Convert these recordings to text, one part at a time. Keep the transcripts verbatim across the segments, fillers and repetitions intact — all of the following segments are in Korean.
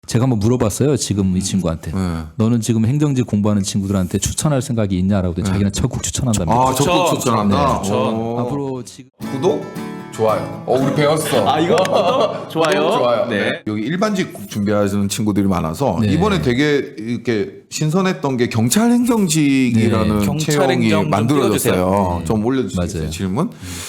제가 한번 물어봤어요. 지금 이 친구한테. 네. 너는 지금 행정직 공부하는 친구들한테 추천할 생각이 있냐라고 했더니 자기는 적극 추천한답니다. 아, 적극 추천한다. 네. 오. 앞으로 지금 구독, 좋아요. 어, 우리 배웠어. 아 이거 구독, 좋아요. 구독, 좋아요. 네. 여기 일반직 준비하시는 친구들이 많아서 네. 이번에 되게 이렇게 신선했던 게 경찰 행정직이라는 네. 경찰 채용이 행정 좀 만들어졌어요. 띄워주세요. 네. 좀 올려주세요. 맞아요. 질문.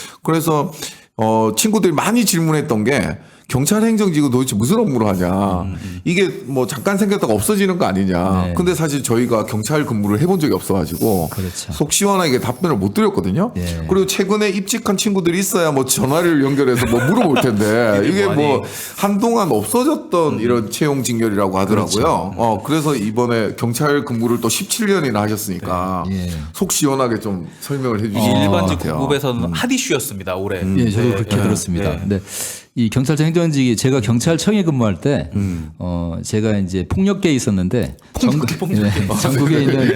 그래서 어, 친구들이 많이 질문했던 게 경찰 행정직은 도대체 무슨 업무를 하냐. 음. 이게 뭐 잠깐 생겼다가 없어지는 거 아니냐. 네. 근데 사실 저희가 경찰 근무를 해본 적이 없어가지고 그렇죠. 속 시원하게 답변을 못 드렸거든요. 네. 그리고 최근에 입직한 친구들이 있어야 뭐 전화를 연결해서 뭐 물어볼 텐데 이게 뭐 한동안 없어졌던 이런 채용 직렬이라고 하더라고요. 그렇죠. 어, 그래서 이번에 경찰 근무를 또 십칠 년이나 하셨으니까 네. 예. 속 시원하게 좀 설명을 해주시는 것 일반직 같아요. 공급에서는 핫 이슈였습니다 올해. 예, 저도 네. 그렇게 네. 들었습니다. 네. 근데 이 경찰청 행정직이 제가 경찰청에 근무할 때, 어, 제가 이제 폭력계에 있었는데, 전국, 네, 전국에 있는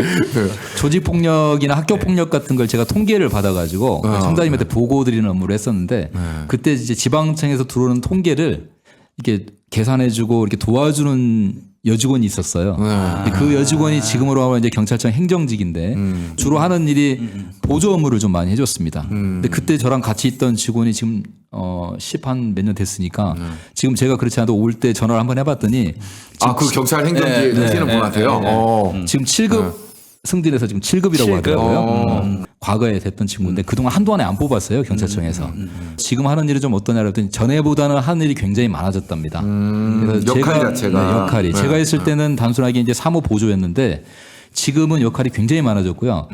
조직 폭력이나 학교 폭력 같은 걸 제가 통계를 받아가지고 청장님한테 보고 드리는 업무를 했었는데, 그때 이제 지방청에서 들어오는 통계를 이렇게 계산해주고 이렇게 도와주는 여직원이 있었어요. 근데 그 여직원이 지금으로 하면 이제 경찰청 행정직인데 음. 주로 하는 일이 보조 업무를 좀 많이 해줬습니다. 근데 그때 저랑 같이 있던 직원이 지금 어 십 한 몇 년 됐으니까 지금 제가 그렇지 않아도 올 때 전화를 한번 해봤더니 아, 그 경찰 행정직에 네, 하시는 네, 분한테요? 네, 네. 어. 지금 칠 급 승진해서 지금 칠 급이라고 칠 급? 하더라고요. 어. 음. 과거에 됐던 친구인데 그동안 한동안에 안 뽑았어요 경찰청에서. 지금 하는 일이 좀 어떠냐고 했더니 전에보다는 하는 일이 굉장히 많아졌답니다. 음, 역할 자체가. 네, 역할이 네. 제가 있을 때는 단순하게 이제 사무 보조였는데 지금은 역할이 굉장히 많아졌고요.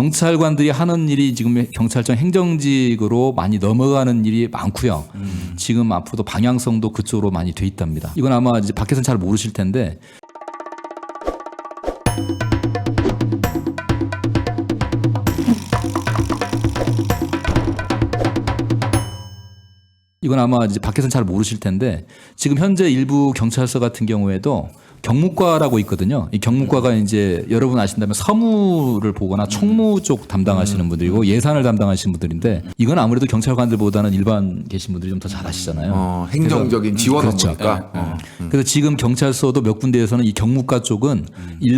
경찰관들이 하는 일이 지금 경찰청 행정직으로 많이 넘어가는 일이 많고요. 지금 앞으로도 방향성도 그쪽으로 많이 돼 있답니다. 이건 아마 이제 밖에서는 잘 모르실 텐데. 이건 아마 이제 밖에서는 잘 모르실 텐데 지금 현재 일부 경찰서 같은 경우에도 경무과라고 있거든요. 이 경무과가 이제 여러분 아신다면 서무를 보거나 총무 쪽 담당하시는 분들이고 예산을 담당하시는 분들인데 이건 아무래도 경찰관들보다는 일반 계신 분들이 좀 더 잘하시잖아요. 어, 행정적인 지원 그렇죠. 업무니까. 어. 그래서 지금 경찰서도 몇 군데에서는 이 경무과 쪽은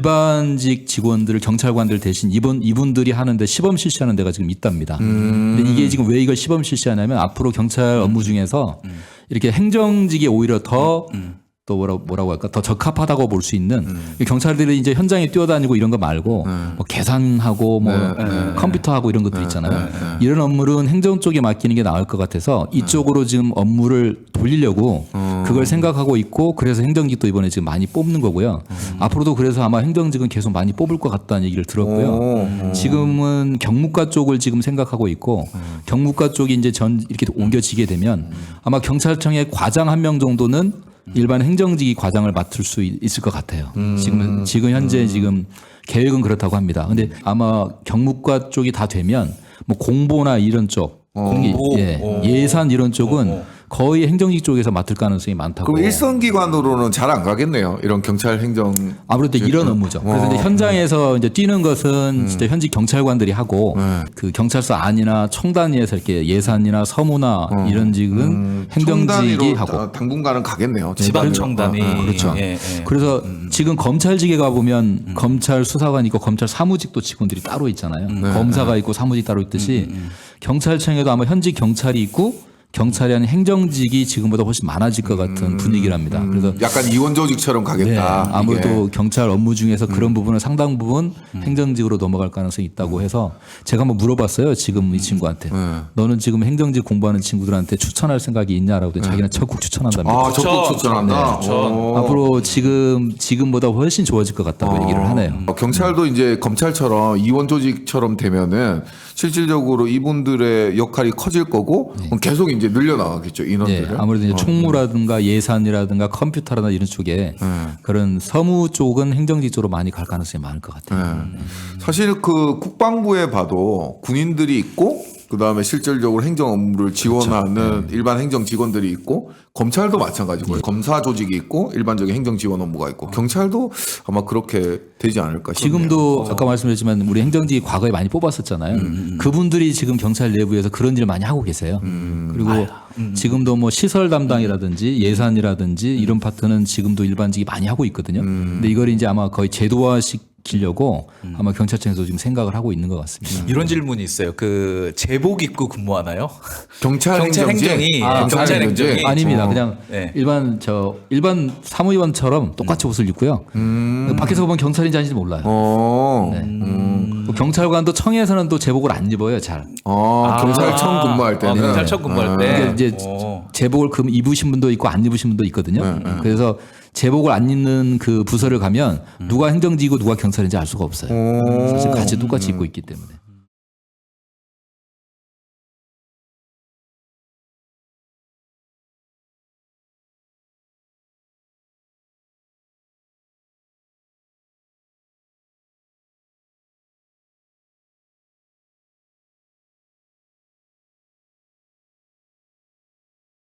일반직 직원들을 경찰관들 대신 이분 이분들이 하는데 시범 실시하는 데가 지금 있답니다. 근데 이게 지금 왜 이걸 시범 실시하냐면 앞으로 경찰 업무 중에서 이렇게 행정직이 오히려 더 또 뭐라고, 뭐라고 할까 더 적합하다고 볼 수 있는 경찰들이 이제 현장에 뛰어다니고 이런 거 말고 뭐 계산하고 뭐 컴퓨터하고 이런 것들 있잖아요. 이런 업무는 행정 쪽에 맡기는 게 나을 것 같아서 이쪽으로 지금 업무를 돌리려고 그걸 생각하고 있고 그래서 행정직도 이번에 지금 많이 뽑는 거고요. 앞으로도 그래서 아마 행정직은 계속 많이 뽑을 것 같다는 얘기를 들었고요. 지금은 경무과 쪽을 지금 생각하고 있고 경무과 쪽이 이제 전 이렇게 옮겨지게 되면 아마 경찰청의 과장 한 명 정도는 일반 행정직이 과장을 맡을 수 있을 것 같아요. 지금 지금 현재 지금 계획은 그렇다고 합니다. 근데 아마 경무과 쪽이 다 되면 뭐 공보나 이런 쪽, 공기, 예, 예산 이런 쪽은 거의 행정직 쪽에서 맡을 가능성이 많다고. 그럼 일선 기관으로는 잘 안 가겠네요. 이런 경찰 행정. 아무래도 이런 업무죠. 그래서 이제 현장에서 이제 뛰는 것은 진짜 현직 경찰관들이 하고 그 경찰서 안이나 총단위에서 이렇게 예산이나 서무나 이런 직은 행정직이 청단위로 하고. 다- 당분간은 가겠네요. 지방 청단이 어, 어, 그렇죠. 예, 예. 그래서 지금 검찰직에 가보면 검찰 수사관 있고 검찰 사무직도 직원들이 따로 있잖아요. 검사가 있고 사무직 따로 있듯이 경찰청에도 아마 현직 경찰이 있고 경찰이 아닌 행정직이 지금보다 훨씬 많아질 것 같은 분위기랍니다. 그래서 약간 이원 조직처럼 네, 가겠다. 아무래도 이게. 경찰 업무 중에서 그런 부분은 상당 부분 행정직으로 넘어갈 가능성이 있다고 해서 제가 한번 물어봤어요. 지금 이 친구한테. 너는 지금 행정직 공부하는 친구들한테 추천할 생각이 있냐라고 했더니 자기는 적극 추천한답니다. 아, 적극 추천. 추천한다. 네, 오. 앞으로 지금 지금보다 훨씬 좋아질 것 같다고 얘기를 하네요. 어, 경찰도 이제 검찰처럼 이원 조직처럼 되면은 실질적으로 이분들의 역할이 커질 거고 그럼 계속 이제 늘려나가겠죠 네, 인원들을. 아무래도 이제 총무라든가 예산이라든가 컴퓨터라든가 이런 쪽에 그런 서무 쪽은 행정직 쪽으로 많이 갈 가능성이 많을 것 같아요. 네. 사실 그 국방부에 봐도 군인들이 있고 그다음에 실질적으로 행정 업무를 지원하는 일반 행정 직원들이 있고 검찰도 마찬가지고요. 검사 조직이 있고 일반적인 행정 지원 업무가 있고 경찰도 아마 그렇게 되지 않을까 싶네요. 지금도 아까 말씀드렸지만 우리 행정직 과거에 많이 뽑았었잖아요. 그분들이 지금 경찰 내부에서 그런 일을 많이 하고 계세요. 그리고 지금도 뭐 시설 담당이라든지 예산이라든지 이런 파트는 지금도 일반직이 많이 하고 있거든요. 근데 이걸 이제 아마 거의 제도화시키려고 아마 경찰청에서 지금 생각을 하고 있는 것 같습니다. 이런 질문이 있어요. 그 제복 입고 근무하나요? 경찰, 경찰 행정직? 행정이 아, 경찰 경찰 행정이 행정직? 아닙니다. 어. 그냥 네. 일반 저 일반 사무위원처럼 똑같이 옷을 입고요. 밖에서 보면 경찰인지 아닌지 몰라요. 어. 네. 뭐 경찰관도 청에서는 또 제복을 안 입어요, 잘. 어, 경찰청 근무할 때는 아, 경찰청 근무할 아. 때 이게 이제 어. 제복을 금 입으신 분도 있고 안 입으신 분도 있거든요. 그래서 제복을 안 입는 그 부서를 가면 누가 행정직이고 누가 경찰인지 알 수가 없어요. 사실 같이 똑같이 입고 있기 때문에.